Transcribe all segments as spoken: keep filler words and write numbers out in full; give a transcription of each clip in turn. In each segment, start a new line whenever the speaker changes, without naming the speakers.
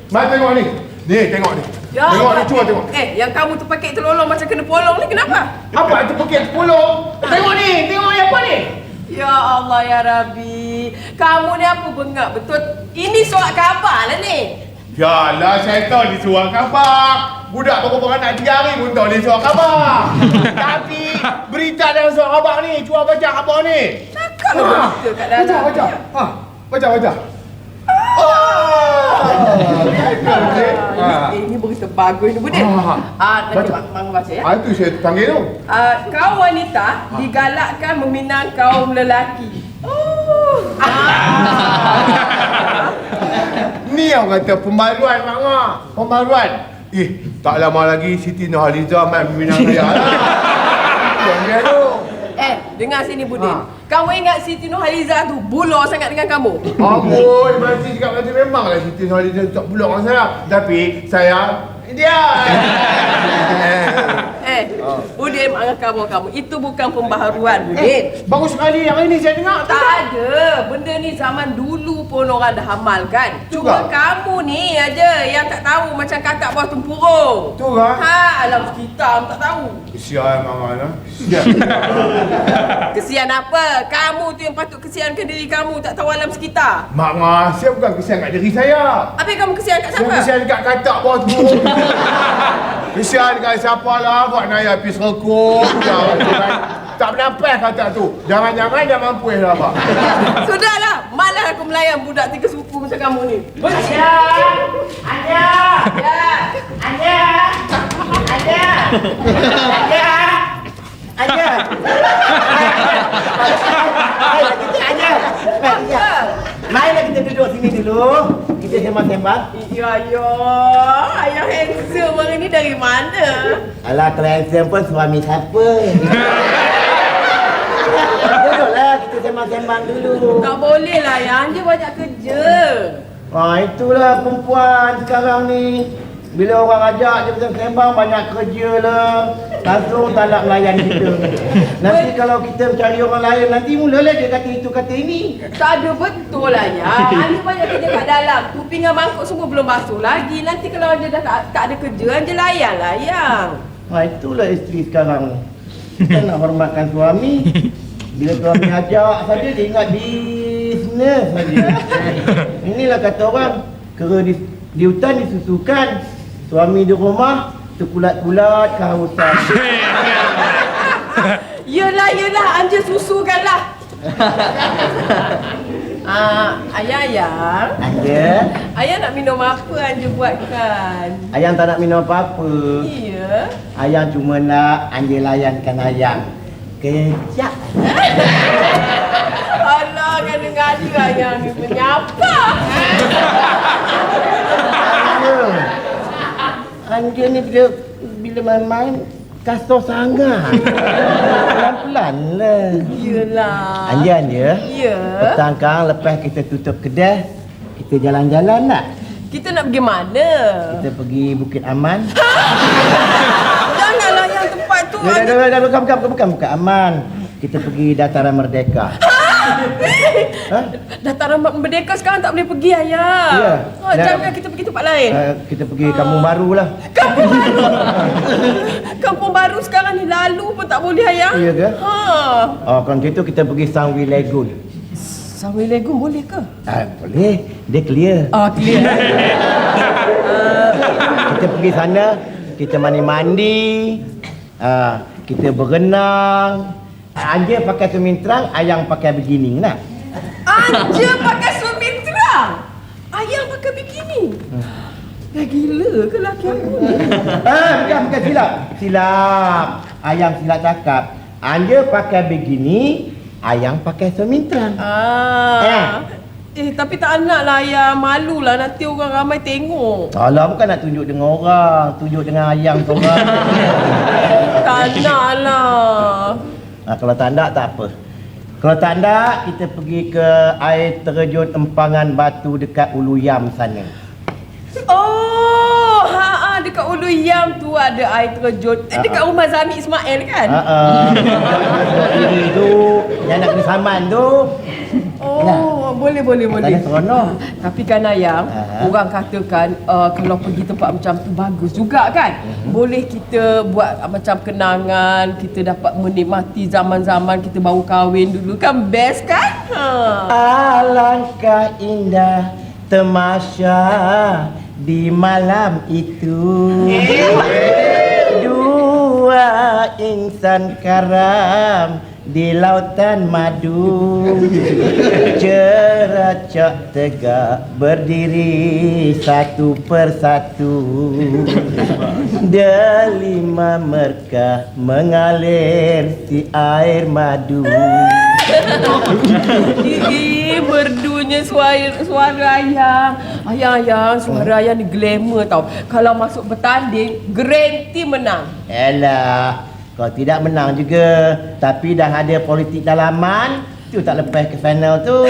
Mai tengok ni. Ni, tengok ni.
Ya,
tengok ni, cuba tengok.
Eh, yang kamu terpakai terlolong macam kena polong ni kenapa?
Apa itu pakai sepuluh? Tengok ni, tengok ni apa ni?
Ya Allah ya Rabbi. Kamu ni apa bengak betul? Ini surat khabar lah ni.
Yalah, saya tahu ni surat khabar. Budak baru beranak tiga hari pun tahu ni surat khabar. Tapi berita dalam surat khabar ni, cuba baca khabar ni.
Cakap lah berita kat dalam.
Baca, baca. Ha, baca, baca.
Ah, ini, ini berita bagus ni Budin.
Ah,
Ah, nanti
baca.
Bang baca ya.
Ah, itu saya panggil tu.
Ah, kaum wanita digalakkan meminang kaum lelaki. Oh. Ah.
Ni yang kata pembaruan, Mak Ngah. Pembaruan. Eh, tak lama lagi Siti Nurhaliza main Minang Raya lah. Yang dia tu.
Eh, dengar sini Budin.
Ha.
Kamu ingat Siti Nurhaliza tu bulur sangat dengan kamu?
Amboi, masih cakap macam memanglah Siti Nurhaliza tak buluk dengan saya. Tapi saya dia.
Eh, Budin marah kamu kamu. Itu bukan pembaharuan Budin.
Eh, bagus sekali yang ini saya dengar.
Tak ada. Benda ni zaman dulu pun orang dah amalkan. Cuma
Juga.
kamu ni aja yang tak tahu macam kakak bawah tempurung.
Tu kan?
Ha, alam sekitar tak tahu.
Kesian Mama lah. Kesian.
Kesian apa? Kamu tu yang patut kesiankan diri kamu, tak tahu alam sekitar.
Mak Ngah, saya bukan kesian kat diri saya.
Apa yang kamu kesian kat
Saya
siapa?
kesian dekat katak bawah tu. Kesian dekat siapa lah. Buat naya pergi serkuk. Tak bernafas katak tu. Jangan-jangan dah mampu dah Pak.
Sudahlah, malas aku melayan budak tiga suku macam kamu ni.
Anja! Anja!
Ya.
Anja! Anja! Anja! Anja! Ayo kita Anja!
Apa?
Marilah kita duduk sini dulu. Kita sembang-sembang.
Ya, ya. Ayah handsome hari ni dari mana?
Alah, kalau handsome pun suami siapa? Duduklah, kita sembang-sembang dulu.
Tak boleh lah, yang dia banyak kerja.
Ah, itulah perempuan sekarang ni. Bila orang ajak dia bersembang banyak kerja lah. Langsung tak nak melayan kita. Nanti kalau kita mencari orang lain, nanti mulalah dia kata itu kata ini.
Tak ada betul lah ya. Anda banyak kerja kat dalam. Tu pinggan mangkuk semua belum basuh lagi. Nanti kalau dia dah tak, tak ada kerja, Anda layan lah yang.
Ha, itulah isteri sekarang ni. Kita nak hormatkan suami. Bila suami ajak saja dia ingat bisnes saja. Inilah kata orang, kera di, di hutan disusukan. Suami di rumah terkulat-kulat kehausan.
Yelah, yelah. Anda susukanlah. Ah, ayah, ayah.
Ada.
Ayah nak minum apa Anda buatkan?
Ayang tak nak minum apa-apa.
Iya.
Ayang cuma nak Anja layankan ayang. Kejap.
Alah, kadang-kadang ayah ni menyapa.
Anja ni bila bila main-main kasar sangat. Pelan-pelan lah.
Yelah.
Anja Anja.
Ya.
Petang kang lepas kita tutup kedai, kita jalan-jalan nak.
Kita nak pergi mana?
Kita pergi Bukit Aman.
Janganlah yang tempat tu.
Dah, dah, dah, dah, bukan, bukan, bukan, bukan, bukan, Aman. Kita pergi Dataran Merdeka. Ha?
Dataran Merdeka sekarang tak boleh pergi, ayah.
Ya.
Ha, jangan kita pergi tempat lain.
Uh, kita pergi Kampung Baru lah.
Kampung Baru. Kampung Baru sekarang ni lalu pun tak boleh, ayah.
Ya ke?
Ha.
Oh, kalau gitu kita pergi Sangwi Lagoon.
Sangwi Lagoon boleh ke?
Ah, boleh. Dia clear.
Ah, clear. uh,
Kita pergi sana, kita mandi-mandi. Ah, kita berenang. Anja pakai swimming trunk, ayang pakai bikini nak.
Anja pakai swimming trunk. Ayah pakai bikini. Dah gila ke laki aku ni?
Ah, bukan, bukan silap. Silap. Ayang silap cakap. Anja pakai bikini, ayang pakai swimming trunk.
Ah. Eh, tapi tak nak lah ayah. Malu lah nanti orang ramai tengok.
Alah, bukan nak tunjuk dengan orang, tunjuk dengan ayang seorang.
Tak nak lah.
Ha, kalau tak nak, tak apa. Kalau tak nak, kita pergi ke air terjun Empangan Batu dekat Ulu Yam sana.
Oh, ha, ha dekat Ulu Yam tu ada air terjun. Eh, dekat rumah Zami Ismail kan?
Ha, ini tu, yang nak kena saman tu.
Oh, Oh, boleh boleh boleh.
Katanya seronok.
Tapi kan ayang,
Ha.
orang katakan uh, kalau pergi tempat macam tu bagus juga kan.
Mhm.
Boleh kita buat uh, macam kenangan, kita dapat menikmati zaman-zaman kita baru kahwin dulu kan, best kan? Ha.
Alangkah indah tamasya di malam itu. Dua insan karam di lautan madu, ceracak tegak berdiri satu persatu, delima merkah mengalir si air madu.
Ih, merdunya suara, suara ayang. Ayang-ayang, suara ayang ni glamour tau. Kalau masuk bertanding, guarantee menang.
Elah, kau tidak menang juga. Tapi dah ada politik dalaman, tu tak lepas ke final tu.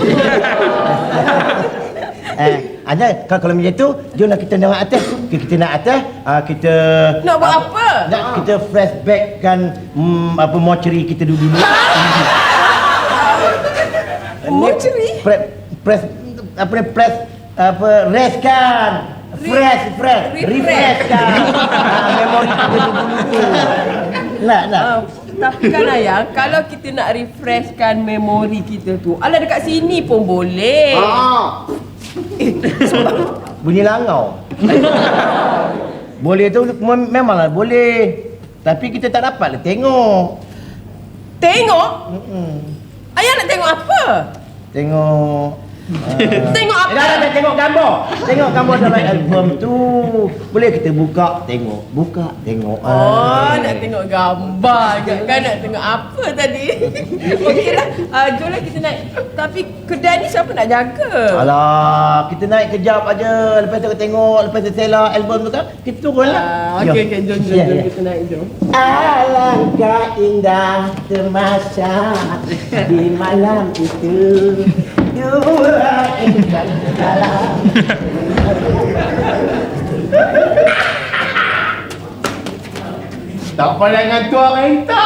eh, Anda kalau, kalau macam tu, jomlah kita naik atas. Kita, kita naik atas, uh, kita
Nak buat apa?
Nak kita flashbackkan um, apa mortuary kita dulu dulu.
Mortuary?
Press, press, apa ni, press, apa, rest kan. Fresh, fresh,
Refresh.
refresh kan. Ah, memori kita dulu tu. Nak, nak.
Uh, tapi kan ayang, kalau kita nak refreshkan memori kita tu, alah dekat sini pun boleh.
Ah.
Bunyi langau. Boleh tu mem- memanglah boleh. Tapi kita tak dapatlah tengok.
Tengok?
Mm-mm.
Ayang nak tengok apa?
Tengok uh,
Tengok apa?
Eh, dah, dah, dah, tengok gambar. Tengok gambar dalam album tu. Boleh kita buka, tengok. Buka, tengok.
Oh, nak tengok gambar ke? Kan nak tengok apa tadi? Okeylah, uh, jomlah kita naik. Tapi kedai ni siapa nak jaga?
Alah, kita naik kejap aja. Lepas tu kita tengok, lepas tu selah album tu kan, kita turun lah.
Ah, okey, okey, jom, jom,
Ya,
jom
ya.
kita naik, jom.
Alangkah indah tamasya di malam itu. Dua insan dalam.
Tak pandai dengan tua renta.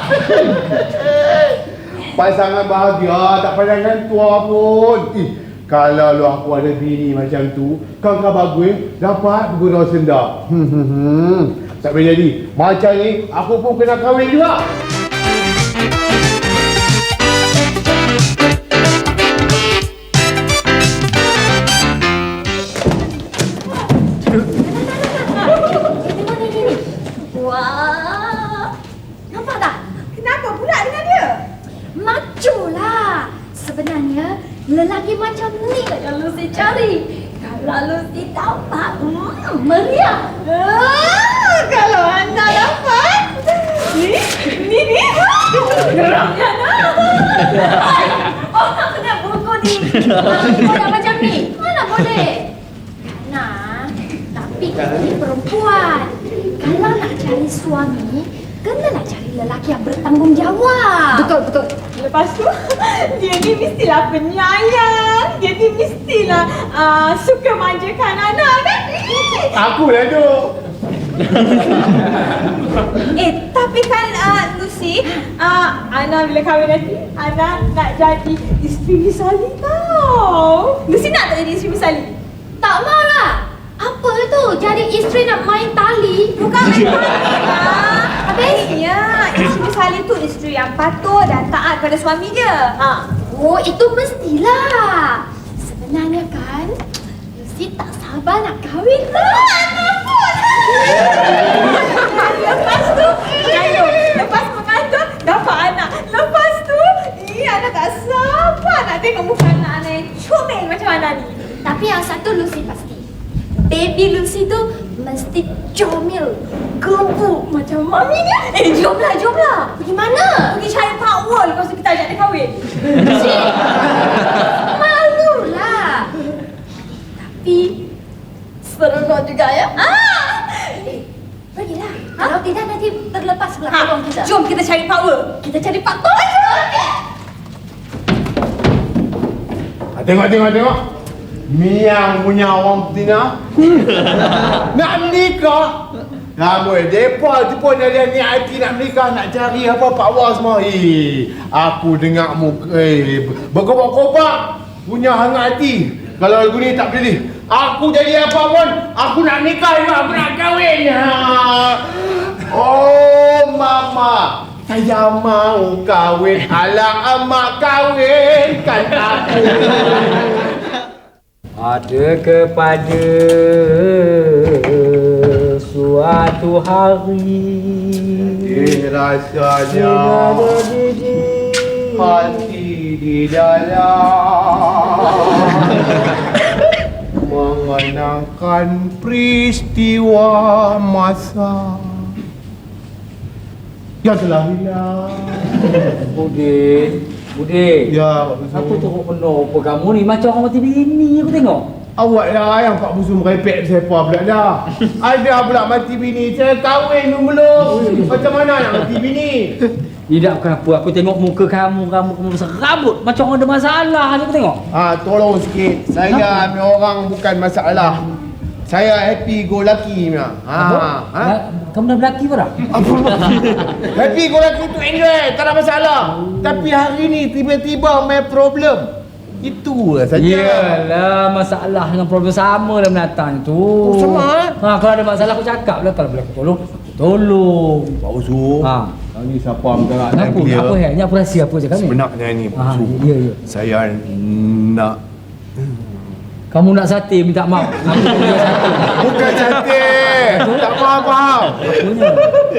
Pasangan bahagia tak pandai dengan tua pun. Ih, kalau lu aku ada bini macam tu, kau kau bagus dapat bergurau senda. Hmm, hmm, hmm. Tak boleh jadi. Macam ni aku pun kena kahwin juga.
Wah, nampak tak?
Kenapa pula dengan dia?
Maculah. Sebenarnya lelaki macam ni lah yang Lucy cari. Kalau Lucy dapat, hmm, meriah.
Ah, kalau anda dapat, ni, ni, ni.
Geraknya dah. Orang kena buku ni. Kau nak macam ni? Mana boleh? Nah, tapi kita ni perempuan. Kalau nak cari suami, kenalah cari lelaki yang bertanggungjawab.
Betul, betul. Lepas tu, dia ni mestilah penyayang. Dia ni mestilah uh, suka manjakan anak kan?
Aku lah tu.
Eh, tapi kan uh, Lucy, uh, Ana bila kahwin nanti, Ana nak jadi isteri misali tau. Lucy nak tak jadi isteri misali?
Tak maulah. Apa tu? Jadi isteri nak main tali?
Bukan main tali lah. Habisnya, isteri misali tu isteri yang patuh dan taat pada suami dia. Ha.
Oh, itu mestilah. Sebenarnya kan, Lucy tak sabar nak kahwin lah.
Lepas tu, ayo, lepas mengandung, dapat anak. Lepas tu, ih, Ana tak sabar nak tengok muka anak Ana yang comel macam Ana ni.
Tapi yang satu Lucy pasti. Baby Lucy tu mesti comel, gebuk macam mami dia.
Eh, jomlah, jomlah.
Pergi mana?
Pergi cari Pak Wol, lepas tu kita ajak dia kahwin.
Cik, malulah. Tapi seronok juga ya.
Ah!
Eh, pergilah. Kalau tidak nanti terlepas sebelah
Ha,
peluang kita.
jom kita cari Pak Wol.
Kita cari Pak Tok.
Ha, tengok, tengok, tengok. Miang punya orang betina. Nak menikah. Ramai depa tu pun ada ni I T nak menikah, nak cari apa Pak Wah semua. Eh, aku dengar mu eh berkobak-kobak. punya hangat hati. Kalau lagu ni tak pilih, aku jadi apa pun, aku nak nikah juga, aku nak kahwin. Ha. Oh mama, saya mau kahwin. Alah amak kahwinkan aku.
Ada kepada suatu hari
Eh rasanya hati di dalam mengenangkan peristiwa masa yang telah hilang.
Budin, Budin.
Ya, Pak
Aku
Busu.
tengok penuh apa kamu ni macam orang mati bini aku tengok.
Awak lah yang Pak Busu merepek siapa pula dah. Ada pula mati bini, saya kahwin pun belum. Macam mana nak mati bini?
Tidak kenapa aku tengok muka kamu, kamu kamu besar rambut macam orang ada masalah je aku tengok.
Ah, tolong sikit. Saya ni orang bukan masalah. Saya happy go lucky punya. Ha. Ha?
Ha? Kamu dah berlaki ke dah?
Happy go lucky tu enjoy, tak ada masalah. Tapi hari ni tiba-tiba main problem. Itu lah saja.
Yalah, masalah dengan problem sama dalam menatang tu.
Oh, sama, eh?
Ha, kalau ada masalah aku cakap lah, kalau boleh aku tolong, aku tolong.
Pak Usu.
Ha.
Ni siapa bergerak dan
Kenapa?
clear.
Apa hal? Ni apa rahsia apa je kami?
Sebenarnya ni Pak
Ha,
Usu.
ya, ya.
Saya nak
Kamu nak sate minta maaf. Aku tak boleh sate.
bukan cantik. Tak faham-faham.
Apanya?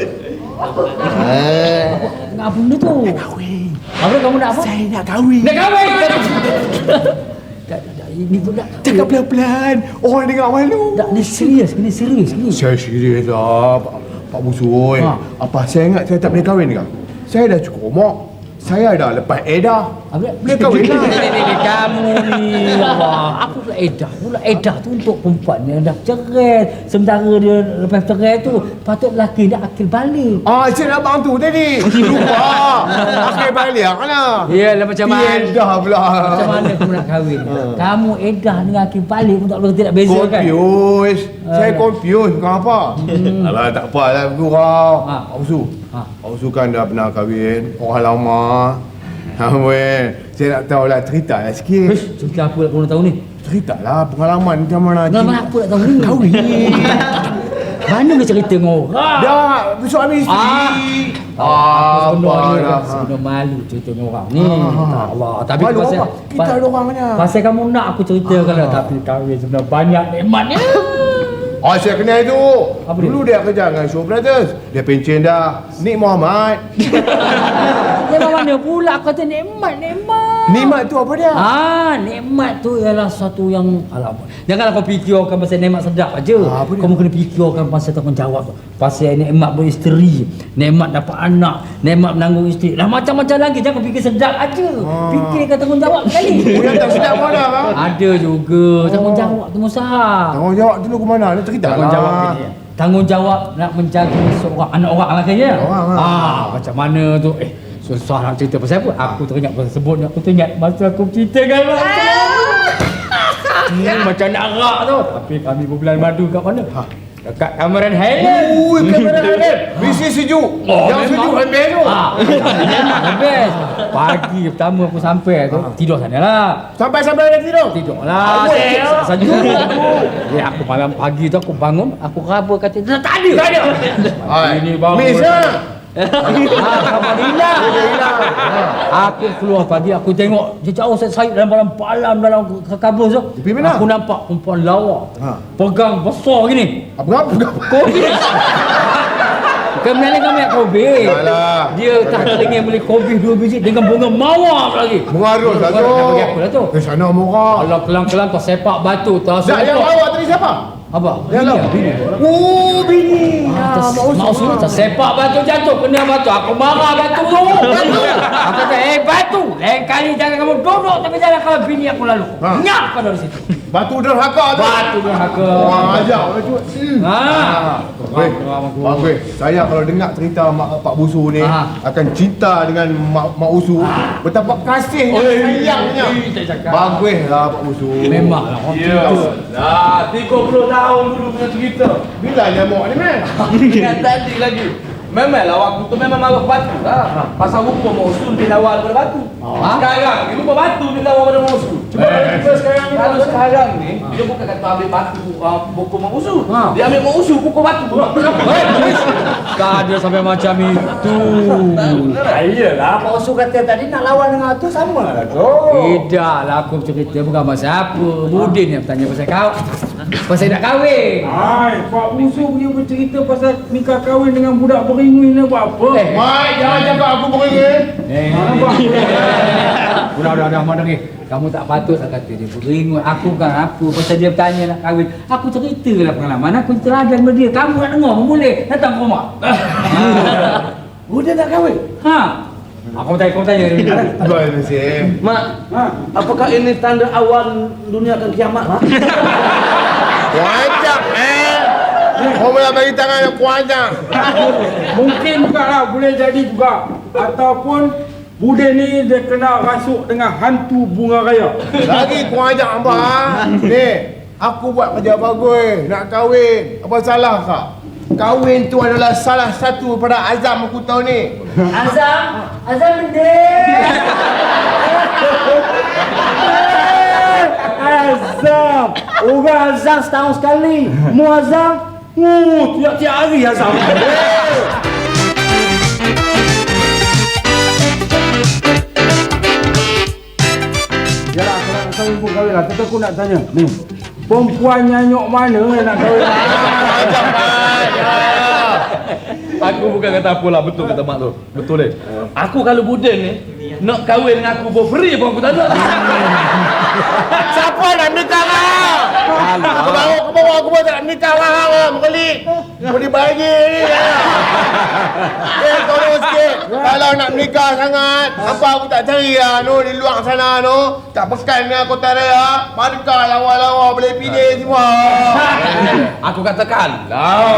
Nak apa benda tu?
Kahwin.
Apa kamu nak apa?
Saya nak kahwin.
Nak kahwin! Tak, tak, tak. Ini pun nak
Cakap pelan-pelan. Orang dengar malu.
Tak, ni serius. Ni serius ni.
Saya serius lah Pak, Pak Busu.
Ha.
Apa saya ingat saya tak boleh kahwin ke? Saya dah cukup umur. Saya dah lepas edah.
Apa?
Boleh kahwin lah.
Ni, ni, ni, ni, kamu ni. Allah. Apa pula edah? Pula edah tu untuk perempuan yang dah cerai. Sementara dia lepas cerai tu, patut lelaki dia akil balik.
Ah, saya nak bantu tadi. Lupa. Akhir balik lah.
Yalah macam mana?
Edah pula.
Macam mana kamu nak kahwin? Kamu edah dengan akil balik pun tak boleh tidak beza kan?
Confused. Saya
Alah.
confused. Kenapa? Alah, tak apa lah gurau.
Ha.
Pak Usu.
Ha.
Pak Usu kan dah pernah kahwin. Orang lama. Ha, weh. Saya nak tahu lah, cerita lah sikit.
Ish, cerita apa nak kau nak tahu ni?
Cerita lah pengalaman macam mana.
Pengalaman apa nak tahu ni?
Kahwin.
Mana dia cerita dengan orang?
Dah, suami isteri.
Ah.
Ah,
Aku sebenarnya
dah.
sebenarnya malu cerita dengan orang ni.
Ah.
Allah. Tapi
Malu
pasal
apa? Kita ada orang mana?
Pasal kamu nak aku ceritakan lah. Tapi kahwin sebenarnya banyak nikmatnya.
Oh, saya kenal itu.
Apa dia?
Dulu dia kerja dengan Show Brothers. Dia pencen dah. Nik Muhammad.
Memang mana pula aku kata nikmat, nikmat.
Nikmat tu apa dia?
Ah, nikmat tu ialah satu yang alamak. Janganlah kau fikirkan pasal nikmat sedap aja.
Ah, apa dia?
Kau kena fikirkan pasal tanggungjawab tu. Pasal nikmat beristeri, nikmat dapat anak, nikmat menanggung isteri. Lah macam-macam lagi, jangan fikir sedap aja.
Ah.
Fikirkan tanggungjawab sekali.
Oh, yang tak sedap mana kan?
Ada juga tanggungjawab tu Musa.
Tanggungjawab dulu ke mana? Dia cerita
Tanggungjawab
lah.
ni. Tanggungjawab nak menjaga seorang anak orang lah kaya.
Orang, ah.
Ah, macam mana tu? Eh, susah nak cerita pasal apa? Aku teringat pasal sebut ni, aku teringat masa aku cerita kan. Hmm, macam nak rak tu. Tapi kami berbulan madu kat mana? Ha. Dekat Cameron Highland.
Ui, kamera Highland. Mesti sejuk.
Oh,
Yang sejuk habis tu.
Ha. Memang best. Pagi pertama aku sampai tu, tidur sana lah.
Sampai-sampai dia tidur.
Tidur lah.
Awal.
Sejuk. Ya, aku malam pagi tu aku bangun, aku raba kata tak ada. Tak ada.
Hai.
Ini bangun.
Miss lah.
Ah, kamu hilang.
Dia hilang.
Aku keluar pagi, aku tengok dia jauh saya sayup dalam dalam palam dalam ke- kabus tu.
Pergi mana?
Aku nampak perempuan lawa.
Ha.
Pegang besar gini.
Apa apa?
Kobe. Kemudian kami nak kobe.
Alah.
Dia tak teringin beli kobe dua biji dengan bunga mawar lagi.
Mengarut lah tu.
Nak bagi apa lah tu?
Ke sana murah.
Kalau kelang-kelang kau sepak batu tu.
Tak, yang bawa tadi siapa?
Apa?
Yang
Bini,
lawa.
bini.
Oh, bini.
Ah,
Ah,
Mak
Mak
Usul
Usul.
tak sepak batu jatuh kena batu. Aku marah batu tu. Batu. Aku kata, eh batu. Lain kali jangan kamu duduk tapi jangan kalau bini aku lalu.
Ha.
Nyap kau dari situ.
Batu derhaka tu.
Batu derhaka.
Orang ajar orang tu. Hmm.
Ha.
Weh, Bang Weh, saya kalau dengar cerita Mak Pak Busu ni
Ha.
akan cinta dengan Mak, Mak Usu. Betapa kasihnya,
Oi,
sayangnya.
oi, tak cakap.
Bagus lah Pak Busu.
Memanglah orang tu.
Dah tiga puluh tahun dulu punya cerita.
Bila dia mau ni man?
Ingat tadi lagi. Memanglah waktu tu memang marah batu lah. Pasal rupa mak usul dia lawan daripada batu. Sekarang ni rupa batu dia lawan daripada mak usul.
Cuba kalau kita sekarang ni.
Kalau sekarang ni dia bukan kata ambil batu uh, pukul mak usul.
Ha.
Dia ambil mak usul pukul batu.
Tak ada sampai macam itu.
Iyalah, Pak Usul kata tadi nak lawan dengan tu sama lah tu.
Tidaklah aku cerita bukan pasal apa. Budin yang bertanya pasal kau. Pasal nak kahwin.
Hai, Pak Usul dia bercerita pasal nikah kahwin dengan budak beringin ni buat apa?
Eh,
Mai, jangan cakap aku beringin.
Eh, udah, udah, udah, mana ni? Kamu tak patut lah kata dia beringut. Aku kan apa? Pasal dia bertanya nak kahwin. Aku ceritalah pengalaman. Aku teladan sama dia. Kamu nak dengar pun boleh. Datang ke rumah.
Budak nak kahwin?
Ha? Aku tanya, aku tanya.
Baik, Nasib.
Mak,
Ha?
apakah ini tanda awal dunia akan kiamat? Mak?
Kuanjak, eh. Kau boleh bagi tangan yang kuanjak.
Mungkin juga lah, boleh jadi juga. Ataupun Budin ni dia kena rasuk dengan hantu bunga raya.
Lagi kuanjak abang. Ni, aku buat kerja bagus. Nak kahwin. Apa salah kak? Kahwin tu adalah salah satu pada azam aku tahu ni.
Azam, Azam benda.
Azam! Orang azam setahun sekali. Mu azam? Mu tiap-tiap hari azam. Yalah, kalau nak kahwin pun kahwin lah. Tapi aku nak tanya. Ni, perempuan nyanyuk mana yang nak kahwin?
Aku bukan kata apalah, betul kata mak tu. Betul deh. Aku kalau Budin ni nak kahwin dengan aku for free pun aku tak nak.
Siapa nak nikah kau? Aku bawa, aku bawa, aku bawa tak nak nikah kau. Mengkali. Kau dibagi ni. Eh, tolong sikit. Kalau nak nikah sangat, apa aku tak cari lah no, di luar sana no. Tak pekan dengan kota raya. Markah lawa-lawa boleh pilih semua.
Aku katakan lah.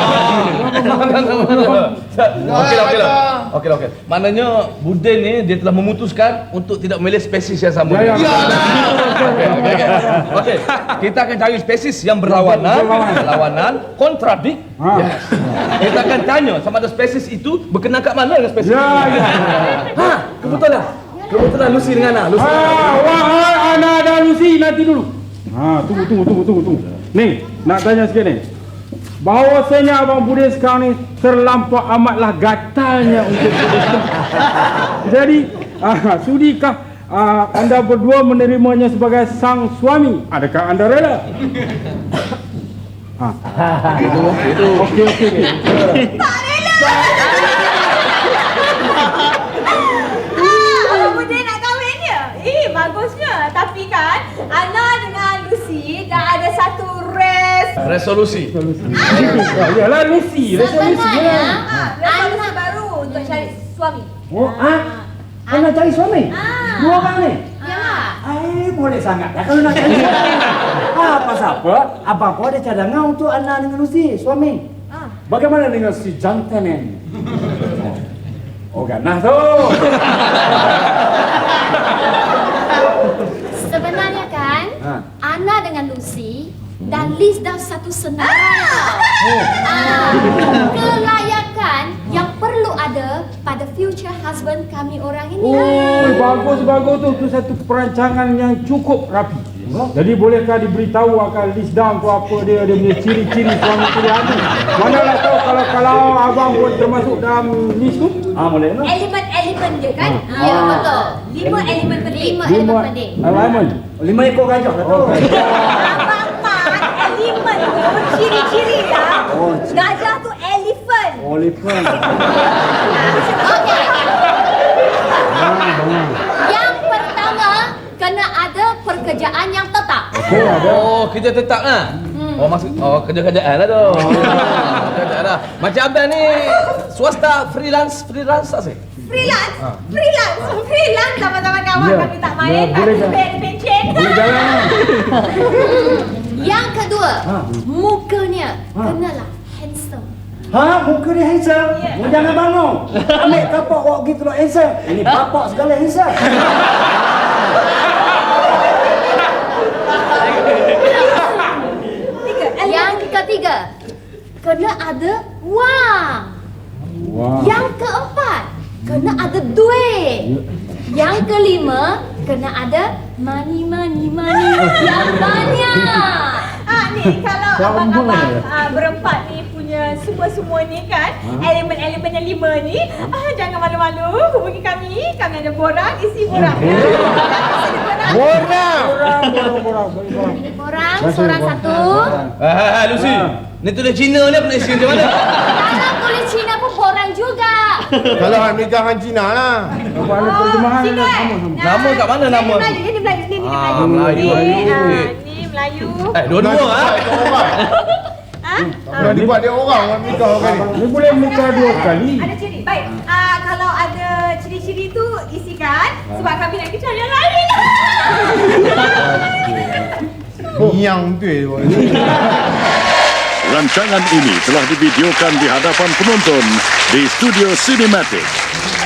Okey lah, okey lah. Okey lah, okey. Maknanya Budin ni dia telah memutuskan untuk tidak memilih spesies yang sama.
Ya, ya.
Okey, okey, okey. Okey, kita akan cari spesies yang berlawanan, berlawanan, kontradik.
Ha.
Yes. Kita akan tanya sama ada spesies itu berkenaan kat mana dengan spesies.
Ya, ya.
Ha, kebetulan. Kebetulan Lucy dengan Ana. Lucy.
Ah, wahai Ana dan Lucy, nanti dulu. Ha, tunggu, tunggu, tunggu, tunggu, tunggu. Ni, nak tanya sikit ni. Bahawasanya Abang Budin sekarang ni terlampau amatlah gatalnya untuk Budin. Jadi, ah, sudikah ah, anda berdua menerimanya sebagai sang suami? Adakah anda rela? Ha. Itu, itu. Okey, okey, okey.
Tak rela. Ah, Abang Budin nak kahwin dia? Eh, bagusnya. Tapi kan, Ana dengan Lucy dah ada satu res.
Resolusi.
Ya, yalah Lucy, resolusi
Sebenarnya,
lah.
Ah, resolusi baru untuk cari suami.
Oh, ah? Kau nak cari suami?
Ah.
Dua orang ni?
yalah.
Eh, boleh sangat lah kalau nak cari suami. Ah, pasal apa? Abang kau ada cadangan untuk Ana dengan Lucy, suami.
Ah.
Bagaimana dengan si jantan ini? Oh, ganah tu.
Sebenarnya kan,
Ha.
Ana dengan Lucy dan Liz dah satu senarai.
Oh.
Ah, kelayakan yang perlu ada pada future husband kami orang ini.
Oh, bagus bagus tu, tu satu perancangan yang cukup rapi. Jadi bolehkah diberitahu akan list down tu apa dia, dia punya ciri-ciri suami pilihan tu? Manalah tahu kalau kalau abang pun termasuk dalam list tu? Ah, boleh lah.
Elemen-elemen dia kan?
Ya, betul.
Lima elemen penting.
Lima elemen penting.
alignment.
Lima ekor gajah lah tu.
Abang Pat, elemen tu ciri-ciri lah. Gajah tu elephant.
Oliver.
Okey. Yang pertama, kena ada pekerjaan yang tetap.
Okey, ada.
Oh, kerja tetap lah. Oh, maksud oh kerja-kerjaan lah tu. Kerjaan lah. Macam abang ni swasta freelance freelance tak sih?
Freelance. Freelance. Freelance sama-sama kawan
Ya.
kami tak
Ya,
main.
boleh
Tak
tak?
bed pencen.
Boleh jalan lah.
Yang kedua,
Ha.
mukanya kenalah handsome.
Ha, muka dia handsome.
Ya.
Mu jangan bangun. Ambil kapak awak gitu lah handsome. Ini bapak segala handsome.
Tiga.
Yang ketiga, kena ada wang.
Wah.
Yang keempat, kena ada duit. Yang kelima, kena ada money, money, money yang banyak.
Ah ni kalau
Sama
abang-abang
ya?
ah, berempat ni punya semua-semua ni kan, elemen-elemen yang lima ni, ah jangan malu-malu hubungi kami. Kami ada borang, isi borang. Ya.
Borang!
Borang, borang, borang, borang.
Ini korang, seorang satu.
Ah, Lucy. Ni tulis Cina ni apa nak isi macam mana?
Kalau tulis Cina pun borang juga.
Kalau ambil jangan Cina lah.
Apa ada terjemahan
Cina,
ada
eh?
sama sama.
Nama kat mana
Ni
nama?
Melayu, ni Melayu, ni, ni
Ah,
Melayu.
Melayu,
Ni,
Melayu.
ah, ni Melayu.
Eh, dua-dua ah.
Ah,
Nak dibuat dia orang orang nikah kan ni.
Ni boleh nikah dua kali.
ada ciri. Baik. Ah, kalau ada ciri-ciri tu isikan sebab kami nak bicara yang lain.
Yang betul.
Rancangan ini telah divideokan di hadapan penonton di Studio Cinematic.